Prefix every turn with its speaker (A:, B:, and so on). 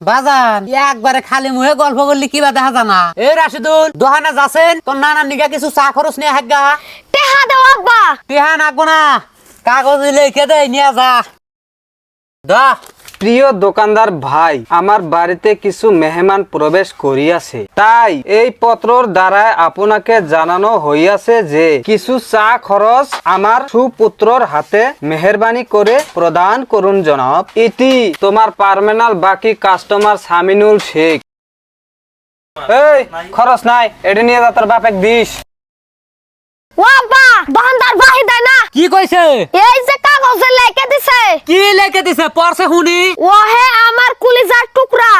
A: বাজান একবারে খালি মুহে গল্প করলি কিবা দেখা জানা। এই রাশিদুল দোহানে যাচ্ছেন তোর নানার নিগা কিছু চা খরচ নিয়ে হাগা।
B: টেহা দাও আব্বা।
A: টেহা নাগবো না, কাগজ লিখে দে নিয়ে যা। দা
C: প্রিয় দোকানদার ভাই, আমার বাড়িতে কিছু মেহমান প্রবেশ করিয়াছে, তাই এই পত্রর দ্বারা আপনাকে জানানো হইয়াছে যে কিছু চা খরচ আমার সুপুত্রর হাতে মেহরবানি করে প্রদান করুন জনাব। ইতি তোমার পার্মেনাল বাকি কাস্টমার সামিনুল শেখ। এই খরচ নাই, এটা নিয়ে যা তোর বাপেক দিস।
B: ও আব্বা, দোকানদার ভাই দেয় না।
A: কি কইছে?
B: এই যে কাগজে লেখে দিছে।
A: কি লিখে দিছে পড়ছে শুনি।
B: ও হে আমার কলিজার টুকরা,